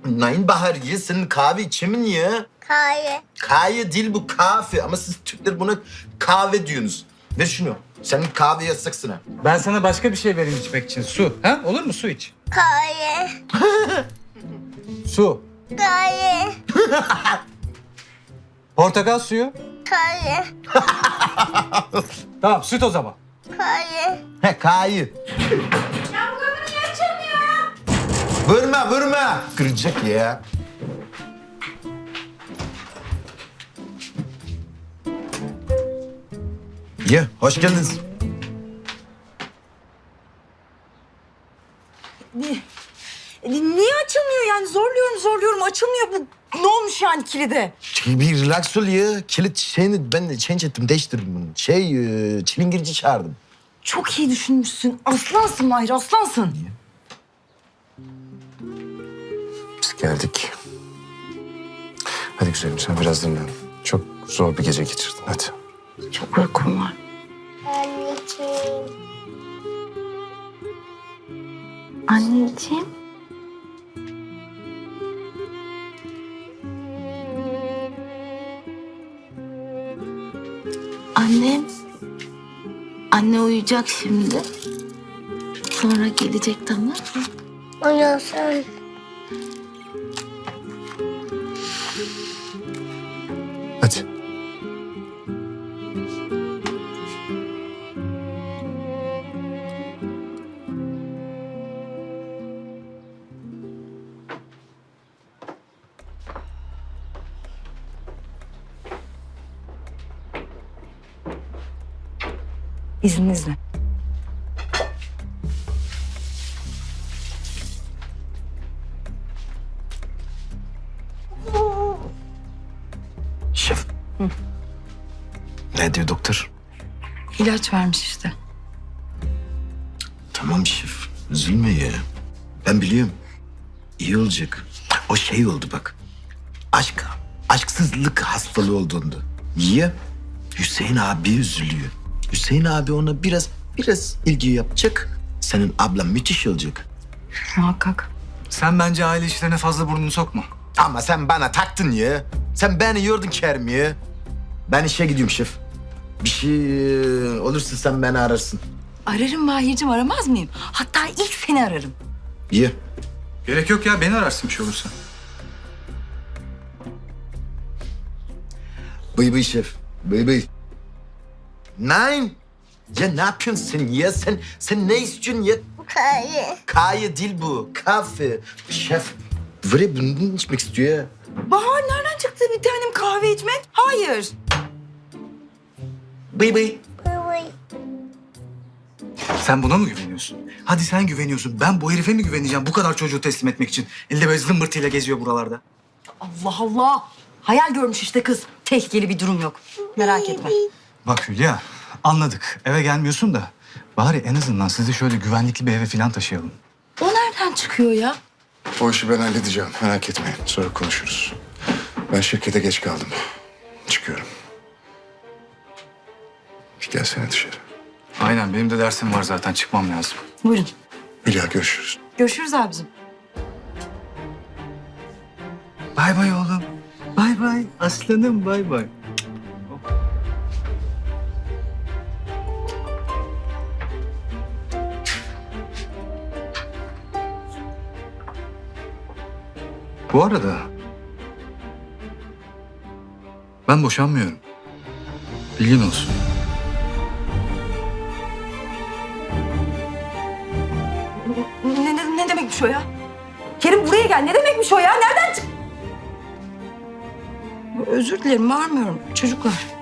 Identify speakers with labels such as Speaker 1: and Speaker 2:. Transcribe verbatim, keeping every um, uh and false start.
Speaker 1: Nein Bahar ye, senin kahve içimin ya.
Speaker 2: Kahve.
Speaker 1: Kahve değil bu, kahve. Ama siz Türkler buna kahve diyorsunuz. Ver şunu. Senin kahve yasaksın ha.
Speaker 3: Ben sana başka bir şey vereyim içmek için. Su. Ha? Olur mu? Su iç.
Speaker 2: Kahve.
Speaker 3: Su.
Speaker 2: Kahve.
Speaker 3: Portakal suyu.
Speaker 2: Kahve.
Speaker 3: Tamam, süt o zaman.
Speaker 2: Kahve.
Speaker 1: He, kahve.
Speaker 2: Ya bu kapı niye açılmıyor?
Speaker 1: Vurma, vurma. Kıracak ya. Ya, hoş geldiniz.
Speaker 4: Niye? Niye açılmıyor yani? Zorluyorum zorluyorum açılmıyor bu. Ne olmuş yani kilide?
Speaker 1: Bir relax ol ya. Kilit şeyini ben de change ettim, değiştirdim bunu. Şey, e, çilingirci çağırdım.
Speaker 4: Çok iyi düşünmüşsün. Aslansın Mahir aslansın.
Speaker 5: Biz geldik. Hadi güzelim sen biraz dinlen. Çok zor bir gece geçirdin hadi.
Speaker 4: Çok uykum var.
Speaker 2: Anneciğim.
Speaker 4: Anneciğim.
Speaker 6: Annem, anne uyuyacak şimdi. Sonra gelecek, tamam mı?
Speaker 2: Uyansın.
Speaker 5: Hadi.
Speaker 4: İzninizle.
Speaker 1: Şef. Ne diyor doktor?
Speaker 4: İlaç vermiş işte.
Speaker 1: Tamam şef, üzülme ya. Ben biliyorum. İyi olacak. O şey oldu bak. Aşk, aşksızlık hastalığı olduğunda. Niye? Hüseyin abi üzülüyor. Hüseyin abi ona biraz, biraz ilgi yapacak. Senin ablan müthiş olacak.
Speaker 4: Muhakkak.
Speaker 3: Sen bence aile işlerine fazla burnunu sokma.
Speaker 1: Ama sen bana taktın ya. Sen beni yordun Kerim ya. Ben işe gidiyorum şef. Bir şey e, olursa sen beni ararsın.
Speaker 4: Ararım Mahir'cim aramaz mıyım? Hatta ilk seni ararım.
Speaker 1: İyi.
Speaker 3: Gerek yok ya, beni ararsın bir şey olursa.
Speaker 1: Bıy bıy şef. Bıy bıy. Nein. Ya ne yapıyorsun sen ya? Sen, sen ne istiyorsun ya?
Speaker 2: Kahve.
Speaker 1: Kahve değil bu. Kahve. Şef. Böyle bunu içmek istiyor ya.
Speaker 4: Bahar nereden çıktı bir tanem kahve içmek? Hayır.
Speaker 1: Bıy bıy.
Speaker 2: Bıy.
Speaker 3: Sen buna mı güveniyorsun? Hadi sen güveniyorsun. Ben bu herife mi güveneceğim bu kadar çocuğu teslim etmek için? Elde böyle zımbırtıyla geziyor buralarda.
Speaker 4: Allah Allah. Hayal görmüş işte kız. Tehlikeli bir durum yok. Merak etme.
Speaker 3: Bak Hülya, anladık. Eve gelmiyorsun da bari en azından sizi şöyle güvenlikli bir eve falan taşıyalım.
Speaker 4: O nereden çıkıyor ya?
Speaker 5: O işi ben halledeceğim merak etmeyin. Sonra konuşuruz. Ben şirkete geç kaldım. Çıkıyorum. Gelsene dışarı.
Speaker 3: Aynen, benim de dersim var zaten. Çıkmam lazım.
Speaker 4: Buyurun.
Speaker 5: Hülya görüşürüz.
Speaker 4: Görüşürüz abicim.
Speaker 3: Bay bay oğlum. Bay bay. Aslanım bay bay. Bu arada ben boşanmıyorum. Bilgin olsun.
Speaker 4: Ne, ne, ne demekmiş o ya? Kerim buraya gel. Ne demekmiş o ya? Nereden çık... Özür dilerim, bağırmıyorum. Çocuklar.